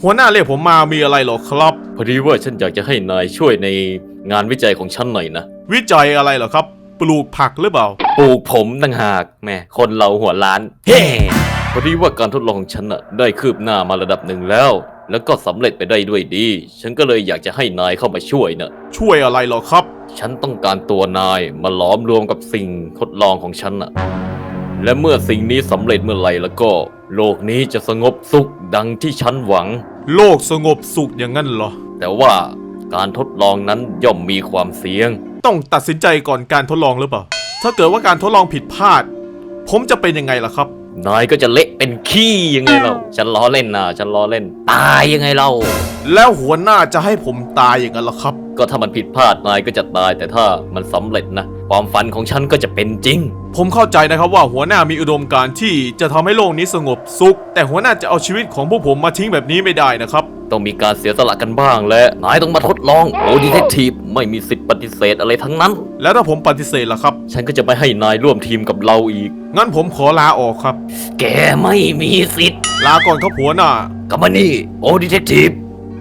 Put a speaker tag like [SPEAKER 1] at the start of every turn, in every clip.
[SPEAKER 1] หัวหน้าเรียกผมมามีอะไรหรอครับ
[SPEAKER 2] พอดีว่าฉันอยากจะให้นายช่วยในงานวิจัยของฉันหน่อยนะ
[SPEAKER 1] วิจัยอะไรเหรอครับปลูกผักหรือเปล่า
[SPEAKER 2] ปลูกผมต่างหากแม่คนเราหัวล้านเฮ้พอดีว่าการทดลองของฉันน่ะได้คืบหน้ามาระดับหนึ่งแล้วก็สำเร็จไปได้ด้วยดีฉันก็เลยอยากจะให้นายเข้ามาช่วยนะ
[SPEAKER 1] ช่วยอะไรเหรอครับ
[SPEAKER 2] ฉันต้องการตัวนายมาล้อมรวมกับสิ่งทดลองของฉันน่ะและเมื่อสิ่งนี้สำเร็จเมื่อไหร่แล้วก็โลกนี้จะสงบสุขดังที่ฉันหวัง
[SPEAKER 1] โลกสงบสุขอย่างนั้นเหรอ
[SPEAKER 2] แต่ว่าการทดลองนั้นย่อมมีความเสี่ยง
[SPEAKER 1] ต้องตัดสินใจก่อนการทดลองหรือเปล่าถ้าเกิดว่าการทดลองผิดพลาดผมจะเป็นยังไงล่ะครับ
[SPEAKER 2] นายก็จะเละเป็นขี้ยังไงเราฉันล้อเล่นนะฉันล้อเล่นตายยังไงเรา
[SPEAKER 1] แล้วหัวหน้าจะให้ผมตายอย่างนั้นล่ะครับ
[SPEAKER 2] ก็ถ้ามันผิดพลาดนายก็จะตายแต่ถ้ามันสำเร็จนะความฝันของฉันก็จะเป็นจริง
[SPEAKER 1] ผมเข้าใจนะครับว่าหัวหน้ามีอุดมการณ์ที่จะทำให้โลกนี้สงบสุขแต่หัวหน้าจะเอาชีวิตของพวกผมมาทิ้งแบบนี้ไม่ได้นะครับ
[SPEAKER 2] ต้องมีการเสียสละกันบ้างและนายต้องมาทดลองโอ้ดีเทคทีฟไม่มีสิทธิ์ปฏิเสธอะไรทั้งนั้น
[SPEAKER 1] แล้วถ้าผมปฏิเสธล่ะครับ
[SPEAKER 2] ฉันก็จะไม่ให้นายร่วมทีมกับเราอีก
[SPEAKER 1] งั้นผมขอลาออกครับ
[SPEAKER 2] แกไม่มีสิทธิ์
[SPEAKER 1] ลาก่อนครับหัวหน้า
[SPEAKER 2] กับมานี่โอ้ดีเทคทีฟ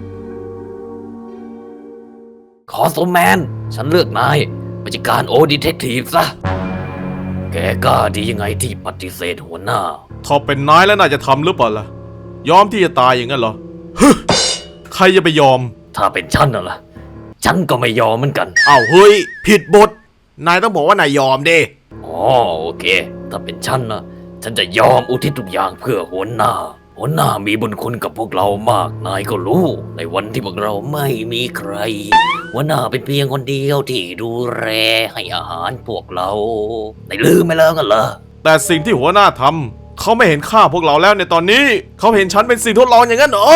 [SPEAKER 2] ขอสมแมนฉันเลือกนายมาจัดการโอ้ดีเทคทีฟซะแกกล้าดียังไงที่ปฏิเสธหัวหน้า
[SPEAKER 1] ถ้าเป็นนายแล้วน่าจะทำหรือเปล่าล่ะยอมที่จะตายอย่างนั้นเหรอใครจะไปยอม
[SPEAKER 2] ถ้าเป็นฉันน่ะล่ะฉันก็ไม่ยอมเหมือนกัน
[SPEAKER 1] อ้าวเฮ้ยผิดบทนายต้องบอกว่านายยอมดิ
[SPEAKER 2] อ๋อโอเคถ้าเป็นฉันนะฉันจะยอมอุทิศทุกอย่างเพื่อหัวหน้ามีบุญคุณกับพวกเรามากนายก็รู้ในวันที่พวกเราไม่มีใครหัวหน้าเป็นเพียงคนเดียวที่ดูแลให้อาหารพวกเราได้ลืมไปแล้วกันเหรอ
[SPEAKER 1] แต่สิ่งที่หัวหน้าทำเขาไม่เห็นค่าพวกเราแล้วในตอนนี้เขาเห็นฉันเป็นสิ่งทดลองอย่างนั้นเหรอ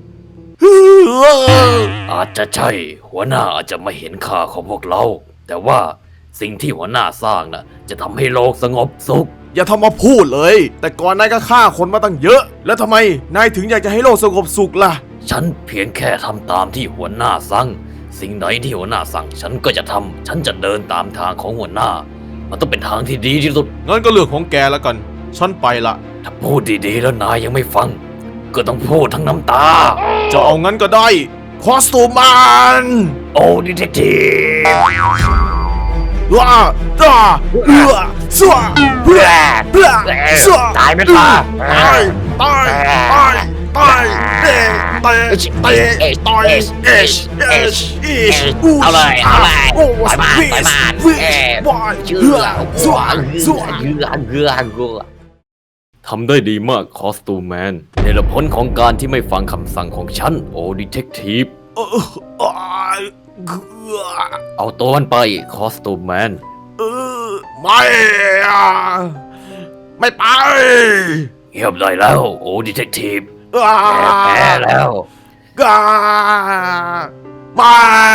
[SPEAKER 2] อาจจะใช่หัวหน้าอาจจะไม่เห็นค่าของพวกเราแต่ว่าสิ่งที่หัวหน้าสร้างน่ะจะทำให้โลกสงบสุข
[SPEAKER 1] อย่าทำมาพูดเลยแต่ก่อนนายก็ฆ่าคนมาตั้งเยอะแล้วทำไมนายถึงอยากจะให้โลกสงบสุขล่ะ
[SPEAKER 2] ฉันเพียงแค่ทำตามที่หัวหน้าสั่งสิ่งไหนที่หัวหน้าสั่งฉันก็จะทำฉันจะเดินตามทางของหัวหน้ามันต้องเป็นทางที่ดีที่สุด
[SPEAKER 1] งั้นก็เรื่องของแกแล้วกันฉันไปละ
[SPEAKER 2] ถ้าพูดดีๆแล้วนายยังไม่ฟังก็ต้องพูดทั้งน้ำตา
[SPEAKER 1] จะเอางั้นก็ได้คอสตูมมัน
[SPEAKER 2] โอ้ดีเทคทีฟ
[SPEAKER 1] ว้าสัวเพื่อสัว
[SPEAKER 2] ตายไม่ตาย
[SPEAKER 1] ตาย
[SPEAKER 2] เอาเลยทำได้ดีมากคอสตูมแมนในผลของการที่ไม่ฟังคำสั่งของฉันโอ้ดีเทคทีฟเอาตัวมันไปคอสตูมแมน
[SPEAKER 1] ไม่ไป
[SPEAKER 2] เงียบได้แล้วโอ้ดีเทคทีฟแพ้แล้ว
[SPEAKER 1] ไม่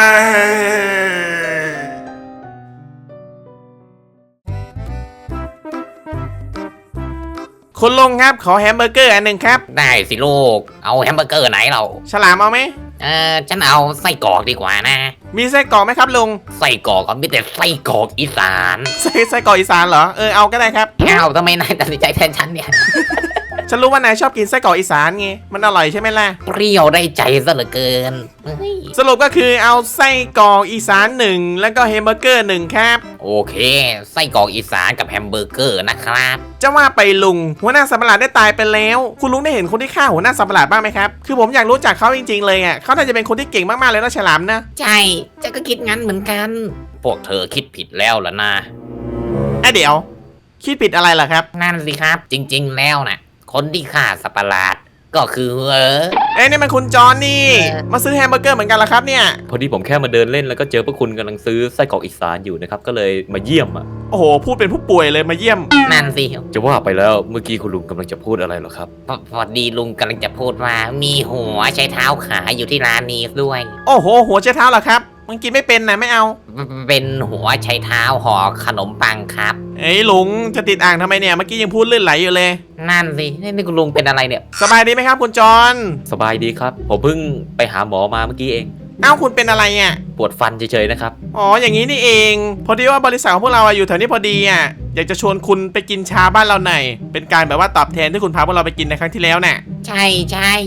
[SPEAKER 1] คุณลุงครับขอแฮมเบอร์เกอร์อันหนึ่งครับ
[SPEAKER 2] ได้สิลูกเอาแฮมเบอร์เกอร์ไหนเรา
[SPEAKER 1] ฉลามเอาไหม
[SPEAKER 2] ฉันเอาไส้กรอกดีกว่านะ
[SPEAKER 1] มีไส้กรอกไหมครับลุง
[SPEAKER 2] ไส้กรอกก็มีแต่ไส้กรอกอีสาน
[SPEAKER 1] ไส้กรอกอีสานเหรอเอาก็ได้ครับ
[SPEAKER 2] เอาทำไมนายตัดสินใจแทนฉันเนี่ย
[SPEAKER 1] ฉันรู้ว่านายชอบกินไส้กรอกอีสานไงมันอร่อยใช่ไหมล่ะ
[SPEAKER 2] เปรี้ยวได้ใจซะเหลือเกิน
[SPEAKER 1] สรุปก็คือเอาไส้กรอกอีสาน1แล้วก็แฮมเบอร์เกอร์1ครับ
[SPEAKER 2] โอเคไส้กรอกอีสานกับแฮมเบอร์เกอร์นะครับ
[SPEAKER 1] จะว่าไปลุงหัวหน้าสัตว์ประหลาดได้ตายไปแล้วคุณลุงได้เห็นคนที่ฆ่าหัวหน้าสัตว์ประหลาดบ้างไหมครับคือผมอยากรู้จักเขาจริงๆเลยอ่ะเขาน่าจะเป็นคนที่เก่งมากๆเลยนะฉลามนะ
[SPEAKER 2] ใช่จะก็คิดงั้นเหมือนกันพวกเธอคิดผิดแล้วล่ะนะ
[SPEAKER 1] เดี๋ยวคิดผิดอะไรล่ะครับ
[SPEAKER 2] นั่นสิครับจริงๆแล้วนะคนที่ฆ่าสัตว์ประหลาดก็คือ
[SPEAKER 1] นี่มันคุณจอนนี่มาซื้อแฮมเบอร์เกอร์เหมือนกันเหรอครับเนี่ย
[SPEAKER 2] พอดีผมแค่มาเดินเล่นแล้วก็เจอพวกคุณกำลังซื้อไส้กรอกอีสานอยู่นะครับก็เลยมาเยี่ยมอ่ะ
[SPEAKER 1] โอ้โหพูดเป็นผู้ป่วยเลยมาเยี่ยม
[SPEAKER 2] นั่นสิจะว่าไปแล้วเมื่อกี้คุณลุงกำลังจะพูดอะไรหรอครับพอดีลุงกำลังจะพูดว่ามีหัวใช้เท้าขายอยู่ที่ร้านนี้ด้วย
[SPEAKER 1] โอ้โหหัวใช้เท้าเหรอครับมันกินไม่เป็นนะไม่เอา
[SPEAKER 2] เป็นหัวใช้เท้าห่อขนมปังครับ
[SPEAKER 1] ลุงจะติดอ่างทำไมเนี่ยเมื่อกี้ยังพูดลื่นไหลอยู่เลย
[SPEAKER 2] นั่นสินี่คุณลุงเป็นอะไรเนี่ย
[SPEAKER 1] สบายดีไหมครับคุณจอน
[SPEAKER 2] สบายดีครับผมเพิ่งไปหาหมอมาเมื่อกี้เอง
[SPEAKER 1] คุณเป็นอะไรอ่ะ
[SPEAKER 2] ปวดฟันเฉยๆนะครับ
[SPEAKER 1] อ๋ออย่างนี้นี่เองพอดีว่าบริษัทของพวกเราอยู่แถวนี้พอดีอ่ะอยากจะชวนคุณไปกินชาบ้านเราหน่อยเป็นการแบบว่าตอบแทนที่คุณพาพวกเราไปกินในครั้งที่แล้วน่ะ
[SPEAKER 2] ใช่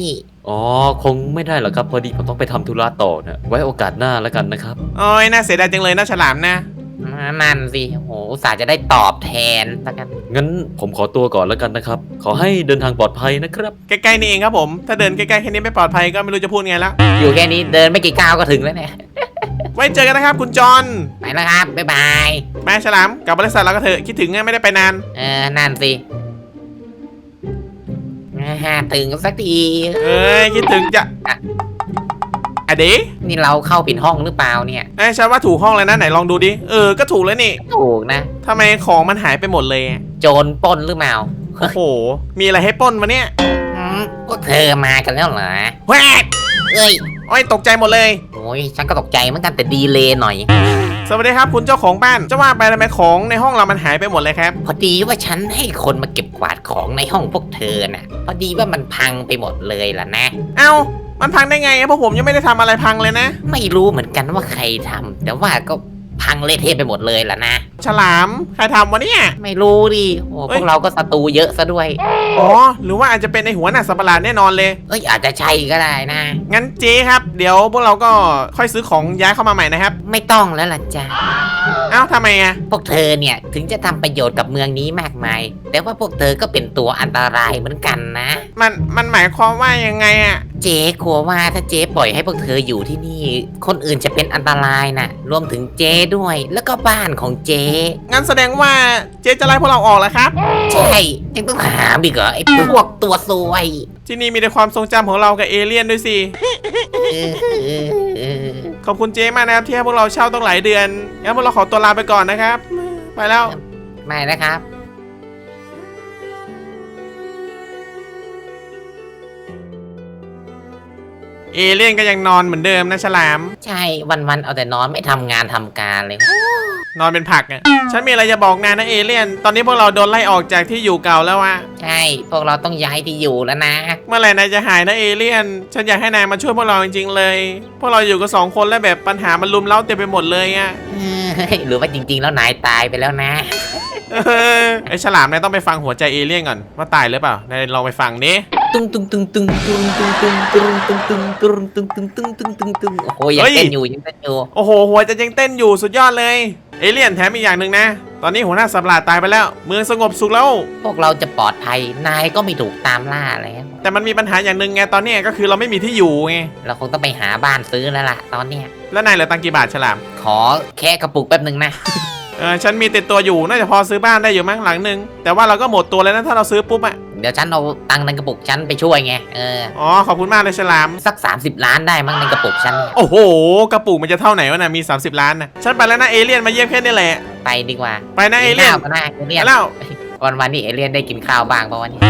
[SPEAKER 2] อ๋อคงไม่ได้หรอกครับพอดีผมต้องไปทำธุระต่อนะไว้โอกาสหน้าแล้วกันนะครับ
[SPEAKER 1] โอ้ยน่าเสียดายจังเลยนะฉลามนะ
[SPEAKER 3] นั่นสิโหอุตส่าห์จะได้ตอบแทนแล้วกัน
[SPEAKER 2] งั้นผมขอตัวก่อนแล้วกันนะครับ ขอให้เดินทางปลอดภัยนะครับ
[SPEAKER 1] ใกล้ๆนี่เองครับผม ถ้าเดินใกล้ๆแค่นี้ไม่ปลอดภัยก็ไม่รู้จะพูดไงแล้ว
[SPEAKER 3] อยู่แค่นี้เดินไม่กี่ก้าวก็ถึงแล้วเนี่ย
[SPEAKER 1] ไว้เจอกันนะครับคุณจอน
[SPEAKER 3] ไปแล้วครับ บ๊ายบาย
[SPEAKER 1] แม่ฉลามกลับบริษัทเราก็เถอะคิดถึงไงไม่ได้ไปนาน
[SPEAKER 3] นั่นสิถึงสักที
[SPEAKER 1] เอ้ยคิดถึงจะอะเด
[SPEAKER 3] นี่เราเข้าผิดห้องหรือเปล่าเนี่ย
[SPEAKER 1] ฉันว่าถูกห้องเลยนะไหนลองดูดิก็ถูกแล้วนี่
[SPEAKER 3] ถูกนะ
[SPEAKER 1] ทำไมของมันหายไปหมดเลยอะ
[SPEAKER 3] โจรปล้นหรือเปล่า
[SPEAKER 1] โอ้โหมีอะไรให้ปล้นวะเนี่ย
[SPEAKER 3] พวกเธอมากันแล้วเหรอ
[SPEAKER 1] แวก
[SPEAKER 3] เอ้ย
[SPEAKER 1] โอ้ยตกใจหมดเลย
[SPEAKER 3] โอ้ยฉันก็ตกใจเหมือนกันแต่ดีเลยหน่อย
[SPEAKER 1] สวัสดีครับคุณเจ้าของบ้านจะว่าไปทำไมของในห้องเรามันหายไปหมดเลยครับ
[SPEAKER 3] พอดีว่าฉันให้คนมาเก็บกวาดของในห้องพวกเธอน่ะ พอดีว่ามันพังไปหมดเลยล่ะนะ
[SPEAKER 1] เอ้ามันพังได้ไงอะเพราะผมยังไม่ได้ทำอะไรพังเลยนะ
[SPEAKER 3] ไม่รู้เหมือนกันว่าใครทำแต่ว่าก็พังเละเทะไปหมดเลยล่ะนะ
[SPEAKER 1] ฉลามใครทำวะเนี่ย
[SPEAKER 3] ไม่รู้ดิโอ้
[SPEAKER 1] เอ้
[SPEAKER 3] พ
[SPEAKER 1] ย
[SPEAKER 3] วกเราก็ศัตรูเยอะซะด้วย
[SPEAKER 1] อ๋อหรือว่าอาจจะเป็นในหัวหน้าสัตว์ประหลาดแน่นอนเลย
[SPEAKER 3] เอ้ยอาจจะใช่ก็ได้นะ
[SPEAKER 1] งั้นเจ๊ครับเดี๋ยวพวกเราก็ค่อยซื้อของย้ายเข้ามาใหม่นะครับ
[SPEAKER 3] ไม่ต้องแล้วล่ะจ้ะ
[SPEAKER 1] เอ้าทำไมอะ
[SPEAKER 3] พวกเธอเนี่ยถึงจะทำประโยชน์กับเมืองนี้มากมาย แต่ว่าพวกเธอก็เป็นตัวอันตรายเหมือนกันนะ
[SPEAKER 1] มันหมายความว่ายังไงอะ
[SPEAKER 3] เจ๊กลัวว่าถ้าเจ๊ปล่อยให้พวกเธออยู่ที่นี่ คนอื่นจะเป็นอันตรายนะรวมถึงเจ๊ด้วย แล้วก็บ้านของเจ๊
[SPEAKER 1] งั้นแสดงว่าเจ๊จะไล่พวกเราออกแล้วครับ
[SPEAKER 3] ใช่ยังต้องถามอีกเหรอไอ้พวกตัวซวย
[SPEAKER 1] ที่นี่มีแต่ความทรงจำของเรากับเอเลี่ยนด้วยสิ ขอบคุณเจ๊มากนะครับที่ให้พวกเราเช่าต้องหลายเดือน งั้นพวกเราขอตัวลาไปก่อนนะครับ ไปแล้ว
[SPEAKER 3] ไม่นะครับ
[SPEAKER 1] เอเลี่ยนก็ยังนอนเหมือนเดิมนะฉลาม
[SPEAKER 3] ใช่วันๆเอาแต่นอนไม่ทำงานทำการเลย
[SPEAKER 1] นอนเป็นผักอ่ะ ฉันมีอะไรจะบอกนายนะเอเลี่ยน ตอนนี้พวกเราโดนไล่ออกจากที่อยู่เก่าแล้วอะ
[SPEAKER 3] ใช่พวกเราต้องย้ายที่อยู่แล้วนะ
[SPEAKER 1] เมื่อไหร่นายจะหายนะเอเลี่ยน ฉันอยากให้นายมาช่วยพวกเราจริงๆเลย พวกเราอยู่กัน2 คนแล้วแบบปัญหามันลุมเล้าเต็มไปหมดเลยอะ
[SPEAKER 3] หรือว่าจริงๆแล้วนายตายไปแล้วนะ
[SPEAKER 1] ไอฉลามนายต้องไปฟังหัวใจเอเลี่ยนก่อนว่าตายหรือเปล่านายลองไปฟังดิ
[SPEAKER 3] ตึงตึงตึงตึงตึงตึงตึงตึงตึงตึงตึงตึงตึงตึงตึงตึงตึงโอ้โหยังเต้นอยู่ยังเต้นอยู่
[SPEAKER 1] โอ้โหหัวใจยังเต้นอยู่สุดยอดเลย เอเลี่ยนแถมอีกอย่างหนึ่งนะ ตอนนี้หัวหน้าสัตว์ประหลาดตายไปแล้ว เมืองสงบสุขแล้ว
[SPEAKER 3] พวกเราจะปลอดภัยนายก็ไม่ถูกตามล่าแล้ว
[SPEAKER 1] แต่มันมีปัญหาอย่างหนึ่งไงตอนเนี้ยก็คือเราไม่มีที่อยู่ไง
[SPEAKER 3] เราคงต้องไปหาบ้านซื้อแล้วล่ะตอนเนี้ย
[SPEAKER 1] แล้วนายเหลือตังค์กี่บาทฉลาม
[SPEAKER 3] ขอแค่กระปุกแป๊บหนึ่งนะ
[SPEAKER 1] ฉันมีติดตัวอยู่น่าจะพอซื้อบ้านได้อยู่มั้งหลังหนึ่งแต่ว่าเราก็หมดตัวแล้วนะถ้าเราซื้อปุ๊บอะ
[SPEAKER 3] เดี๋ยวฉันเอาตังค์ในกระปุกฉันไปช่วยไง
[SPEAKER 1] อ๋อขอบคุณมากเลยฉลาม
[SPEAKER 3] สัก30 ล้านได้มั้งในกระปุกฉันเนี่ย
[SPEAKER 1] โอ้โหกระปุกมันจะเท่าไหนวะน่ะมี30 ล้านนะฉันไปแล้วนะเอเลี่ยนมาเยี่ยมแค่นี้แหละ
[SPEAKER 3] ไปดีกว่า
[SPEAKER 1] ไปนะเอเลี่ยน
[SPEAKER 3] กินข้าวกันนะเอเลี่ย
[SPEAKER 1] ไป
[SPEAKER 3] น
[SPEAKER 1] แล้ว
[SPEAKER 3] วันนี้เอเลี่ยนได้กินข้าวบ้างป่ะวันนี้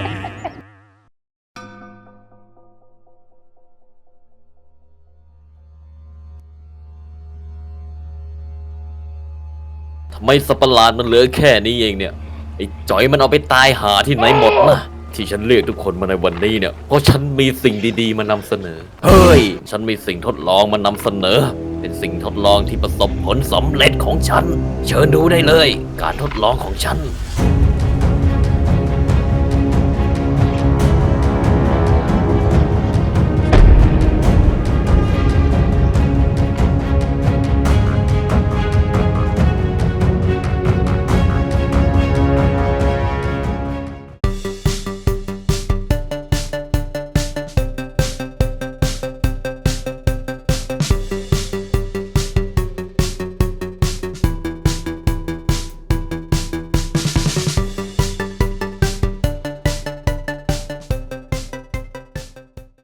[SPEAKER 2] ทำไมสัตว์ประหลาดมันเหลือแค่นี้เองเนี่ยไอ้จอยมันเอาไปตายหาที่ไหนหมดนะที่ฉันเรียกทุกคนมาในวันนี้เนี่ยเพราะฉันมีสิ่งดีๆมานำเสนอเฮ้ยฉันมีสิ่งทดลองมานำเสนอ เป็นสิ่งทดลองที่ประสบผลสำเร็จของฉัน เชิญดูได้เลย การทดลองของฉัน